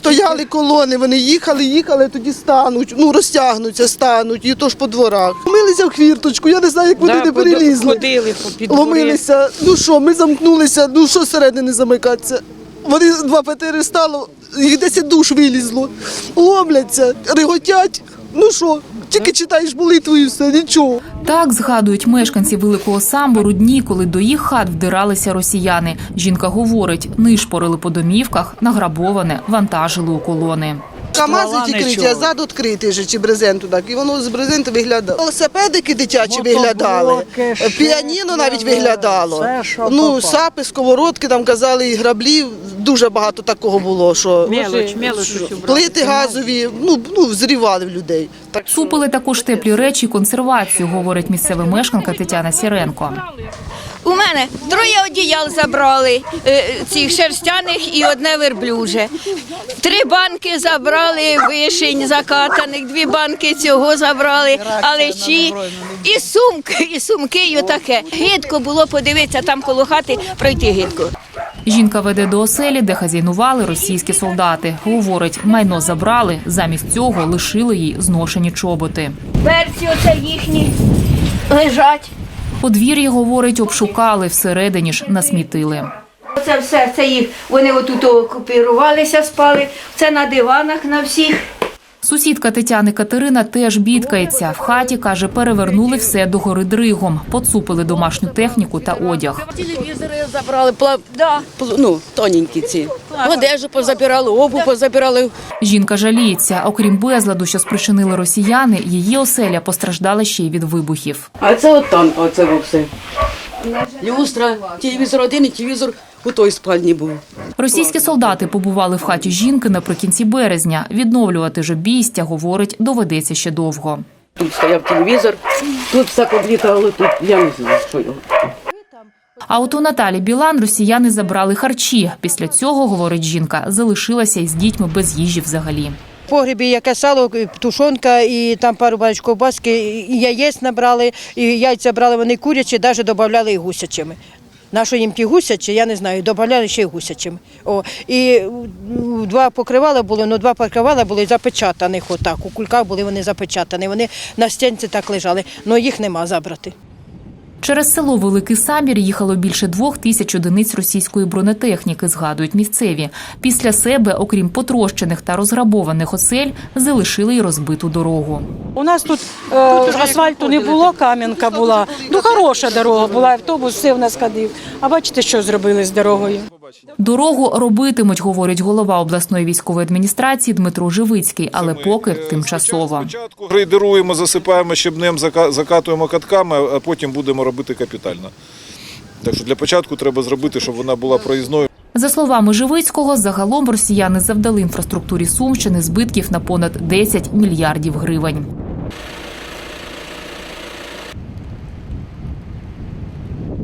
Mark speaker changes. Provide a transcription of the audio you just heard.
Speaker 1: Стояли колони, вони їхали, тоді стануть, розтягнуться, стануть, і то ж по дворах. Ломилися в хвірточку, я не знаю, як вони не перелізли.
Speaker 2: Ходили під двори.
Speaker 1: Ломилися, ми замкнулися, що зсередини замикатися. Вони 2-4 стало, їх 10 душ вилізло, ломляться, реготять, тільки читаєш молитву і все, нічого.
Speaker 3: Так згадують мешканці Великого Самбору дні, коли до їх хат вдиралися росіяни. Жінка говорить, нишпорили по домівках, награбоване вантажили у колони.
Speaker 1: КАМАЗи відкриті, а зад відкритий же, чи брезенту так, і воно з брезенту виглядало. Велосипедики дитячі виглядали, піаніно навіть виглядало. Сапи, сковородки, там казали, і граблі, дуже багато такого було, що плити газові, зрівали в людей.
Speaker 3: Цупили також теплі речі і консервацію, говорить місцева мешканка Тетяна Сіренко.
Speaker 4: У мене 3 одіял забрали, цих шерстяних і 1 верблюже. 3 банки забрали вишень закатаних, 2 банки цього забрали, алечі, і сумки, і отаке. Гидко було подивитися, там коло хати пройти гидко.
Speaker 3: Жінка веде до оселі, де хазяйнували російські солдати. Говорить, майно забрали, замість цього лишили їй зношені чоботи.
Speaker 4: Берці оце їхні лежать.
Speaker 3: Подвір'я, говорить, обшукали, всередині ж насмітили.
Speaker 4: Це все, це їх, вони отут окупірувалися, спали, це на диванах на всіх.
Speaker 3: Сусідка Тетяни Катерина теж бідкається. В хаті, каже, перевернули все догори дригом, поцупили домашню техніку та одяг.
Speaker 2: Телевізори забрали, тоненькі ці. Одежу позабирали, обувь позабирали.
Speaker 3: Жінка жаліється. Окрім безладу, що спричинили росіяни, її оселя постраждала ще й від вибухів.
Speaker 2: А це оце все. Люстра, телевізор один і телевізор у той спальні був.
Speaker 3: Російські солдати побували в хаті жінки наприкінці березня. Відновлювати ж обійстя, говорить, доведеться ще довго.
Speaker 2: Тут стояв телевізор, тут все подлітало, тут я не знаю, що його.
Speaker 3: А от у Наталі Білан росіяни забрали харчі. Після цього, говорить жінка, залишилася із дітьми без їжі взагалі.
Speaker 5: В погребі яке сало, тушонка і там пару баночок ковбаски, і яєць набрали, і яйця брали вони курячі, навіть додавали і гусячими. Нащо їм ті гусячі, я не знаю, додавали ще й гусячими. І 2 покривала були, 2 покривала були запечатаних отак, у кульках були вони запечатані, вони на стінці так лежали, але їх нема забрати.
Speaker 3: Через село Великий Самбір їхало більше 2000 одиниць російської бронетехніки, згадують місцеві. Після себе, окрім потрощених та розграбованих осель, залишили й розбиту дорогу.
Speaker 6: У нас тут асфальту не було, кам'янка була. Хороша дорога була, автобус все в нас ходив. А бачите, що зробили з дорогою?
Speaker 3: Дорогу робитимуть, говорить голова обласної військової адміністрації Дмитро Живицький, але поки тимчасово.
Speaker 7: Спочатку грейдеруємо, засипаємо щебнем, закатуємо катками, а потім будемо робити капітально. Так що для початку треба зробити, щоб вона була проїзною.
Speaker 3: За словами Живицького, загалом росіяни завдали інфраструктурі Сумщини збитків на понад 10 мільярдів гривень.